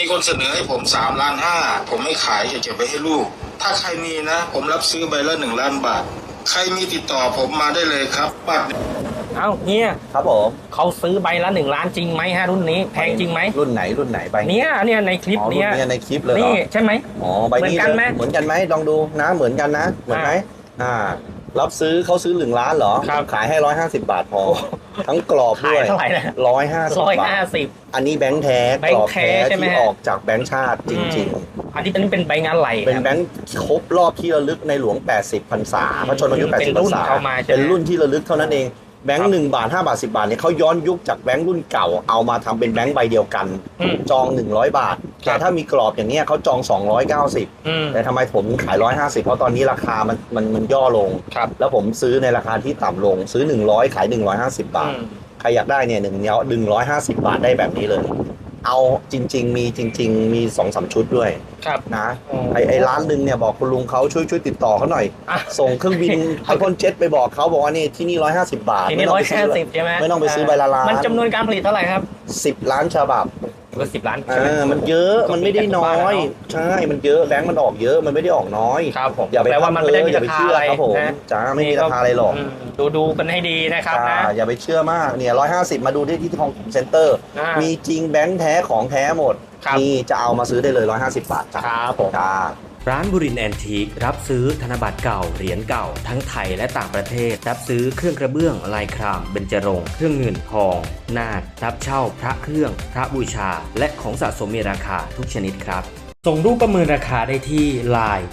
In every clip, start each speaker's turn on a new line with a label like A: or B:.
A: มีคนเสนอให้ผม3,500,000ผมไม่ขายจะเก็บไว้ให้ลูกถ้าใครมีนะผมรับซื้อใบละ1,000,000 บาทใครมีติดต่อผมมาได้เลยครับบัตร
B: เอ้าเฮีย
C: ครับผม
B: เขาซื้อใบละ1,000,000จริงไหมฮะรุ่นนี้แพงจริงไหม
C: รุ่นไหนใบ
B: เนี่ยในคลิปเนี้ย
C: ในคลิปเลย
B: นี่ใช่ไหม
C: อ๋อใบนี้เหมือนกันไหมลองดูนะเหมือนกันนะเหมือนไหมรับซื้อเขาซื้อ1,000,000เหรอขายให้150 บาทพอทั้งกรอบด้วย
B: เท่าไหร่นะ
C: 150 อันนี้แบงค์แท้กรอบแท้ที่ออกจากแบงค์ชาติจริง
B: ๆอันนี้เป็นใบงานไหล
C: เป็นแบงค์ครบรอบที่ระลึกในหลวง80 พรรษาพระชนมายุ80 พรรษาเป็นรุ่นที่ระลึกเท่านั้นเองแบงค์1 บาท5 บาท10 บาทเนี่ยเขาย้อนยุคจากแบงค์รุ่นเก่าเอามาทำเป็นแบงค์ใบเดียวกันจอง100 บาทแต่ถ้ามีกรอบอย่างเนี้ยเขาจอง290แต่ทำไมผมขาย150เพราะตอนนี้ราคามันย่อลงแล้วผมซื้อในราคาที่ต่ำลงซื้อ100ขาย150 บาทใครอยากได้เนี่ย150 บาทได้แบบนี้เลยเอาจริงๆมี 2-3 ชุดด้วยนะไอ้ร้านนึงเนี่ยบอกคุณลุงเขาช่วยติดต่อเขาหน่อยส่งเครื่องบินไอคอนเจ็ตไปบอกเขาบอกว่านี่ที่นี่150 บาท
B: ที่นี่150ใช่ไหม
C: ไม่ต้องไปซื้อใบละล้าน
B: มันจำนวนการผลิตเท่าไหร่ครับ
C: 10 ล้านฉบับ
B: ก็10 ล้าน
C: มันเยอะมันไม่ได้น้อยใช่มันเยอะแบงค์มันออกเยอะมันไม่ได้ออกน้อย
B: ครับผม
C: อย่าไป
B: แปลว่ามันไม่ได้มีราคาอะไร
C: ครับผมจ้าไม่มีราคาอะไรหรอก
B: ดูกันให้ดีนะครับนะ
C: อย่าไปเชื่อมากเนี่ย150มาดูที่ทองเซ็นเตอร์มีจริงแบงค์แท้ของแท้หมดนี่จะเอามาซื้อได้เลย150 บาท
B: ครับผม
D: ร้านบุรินทร์แอนทีครับซื้อธนบัตรเก่าเหรียญเก่าทั้งไทยและต่างประเทศรับซื้อเครื่องกระเบื้องลายครามเบญจรงค์เครื่องเงินทองนาครับเช่าพระเครื่องพระบูชาและของสะสมมีราคาทุกชนิดครับส่งรูปประเมินราคาได้ที่ Line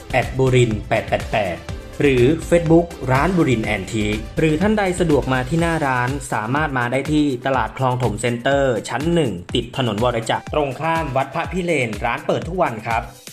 D: @burin888หรือ Facebook ร้านบุรินทร์แอนทีหรือท่านใดสะดวกมาที่หน้าร้านสามารถมาได้ที่ตลาดคลองถมเซ็นเตอร์ชั้น1ติดถนนวรจักรตรงข้ามวัดพระพิเรนร้านเปิดทุกวันครับ